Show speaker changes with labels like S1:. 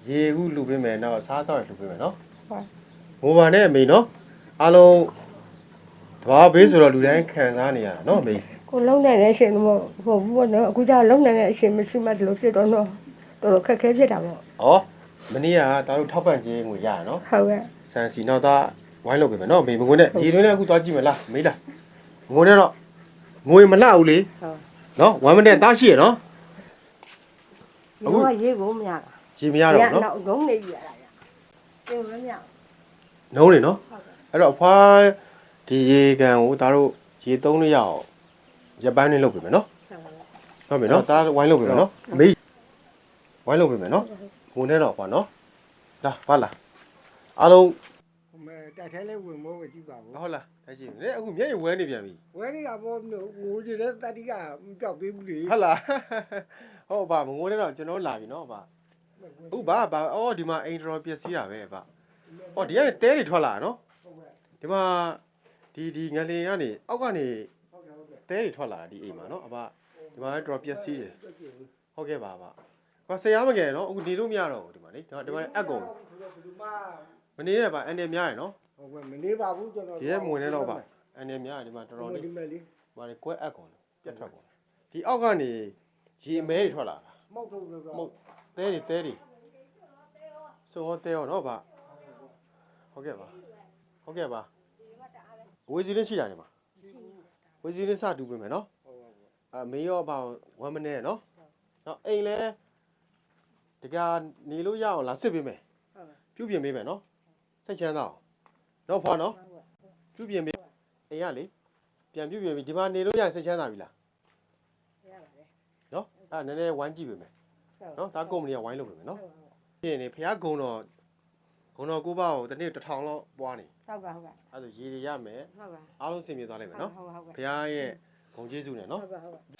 S1: ရေခုလူပေးမယ်နော်စားတော့လူပေးမယ်နော်ဟုတ်ငိုပါနဲ့အမေနော်အားလုံးတဘာဘေးဆိုတော့လူတိုင်းခံစားနေရတာနော်အမေ
S2: ကိုလုံးနိုင်တဲ့အချိန်တော့ဟိုဘူးနော်အခုကျလုံးနိုင်တဲ့အချိန်မရှိမှဒီလိုဖြစ်တော့တော့တော်တော်ခက်ခဲဖြစ်တာပေါ့
S1: ဟောမနေ့ကတာတို့ထောက်ပံ့ခြင်းငွေရရနော်
S2: ဟုတ်ကဲ့
S1: ဆန်စီနောက်သားဝိုင်းလုပ်ပေးမယ်နော်အမေမငွေနဲ့ရေတွင်းနဲ့အခုသွားကြည့်မလားမေးလားငွေနဲ့တော့ငွေမလှဘူးလေ
S2: ဟုတ်
S1: နော်1မိနစ်တားရှိရနော်
S2: အခုရေကိုမရတာ
S1: ရေမရတော့ဘူးနော်
S2: နောက်ငုံနေပြီရတာရေမရ
S1: နှုံးနေနော်အဲ့တော့အဖွားဒီရေကန်ကိုဒါတို့ရေသုံးလို့ရအောင်ရပိုင်းနဲ့လုပ်ပေးမယ်နော်ဟုတ်ပြီနော်ဒါဝိုင်းလုပ်ပေးမယ်နော်မေးဝိုင်းလုပ်ပေးမယ်နော်ငုံနဲ့တော့ဖွာနော်လာပါလားအားလုံး
S3: မဲတိုက်ထဲလေးဝင်မိုးပဲကြည့်ပါဘူး
S1: ဟုတ်လားဒါရှိနေအခုမျက်ရည်ဝဲနေပြန်ပြီ
S3: ဝဲနေတာပေါ့ငိုကြတဲ့တတိကမပြောက်သေးဘူးလေ
S1: ဟုတ်လားဟုတ်ပါမငိုနဲ့တော့ကျွန်တော်လာပြီနော်ဗျဟုတ်ပါအော်ဒီမှာအိမ်တော်ပျက်စီးတာပဲဗျဟောဒီကနေတဲတွေထွက်လာနော်ဒီမှာဒီငလင်ကနေအောက်ကနေတဲတွေထွက်လာတာဒီအိမ်မှာနော်အဘဒီမှာတော်ပျက်စီးတယ်ဟုတ်ကဲ့ပါဗျဟောဆရာမငယ်နော်အခုနေလို့မရတော့ဘူးဒီမှာလေဒီမှာအက်ကုန်မနေနဲ့ဗျအန်တယ်များရယ်နော်
S3: ဟုတ်ကဲ့မနေပါဘူးကျွန်တော်
S1: ဒီရဲ့မဝင်နဲ့တော့ဗျအန်တယ်များရယ်ဒီမှာတော်တော်လေး
S3: ဒီမဲ့လေး
S1: မာလေကွဲအက်ကုန်ပြတ်ထွက်ကုန်ဒီအောက်ကနေရေအမဲတွေထွက်လာတာ
S3: မဟုတ်တော့ဘူး
S1: မဟုတ်တဲတွေစောတဲရောနော်ဗျဟုတ်ကဲ့ပါဝေစီလေးရှိတာနေမှာဝေစီလေးစတူပေးမယ်နော်မေးရောပါ1မိနစ်နော်နော်အိမ်လဲတကနေလို့ရအောင်လာစစ်ပေးမယ်ပြုပြင်ပေးမယ်နော်စိတ်ချမ်းသာအောင်နော်ဖွာနော်ပြုပြင်ပေးအိမ်ရလေပြန်ပြုပြင်ပြီးဒီမှာနေလို့ရစိတ်ချမ်းသာပြီလားနော်အဲ့နည်းနည်းဝိုင်းကြည့်ပေးမယ်နော်ဒါကုမ္ပဏီကဝိုင်းလုပ်ပေးမယ်နော်ပြင်နေဖះဂုံတော်ကိုပေါ့တနေ့1000လောက်ပွားနေ
S2: ဟုတ်ကဲ့ဟုတ်ကဲ့
S1: အဲ့ဒါရေတွေရမယ်
S2: ဟုတ်ကဲ့
S1: အားလုံးဆင်ပြေသွားလိမ့်မယ်နော်
S2: ဟုတ်ကဲ့
S1: ဖះရဲ့ဂုံကျေးဇူးနဲ့နော်
S2: ဟုတ်ကဲ့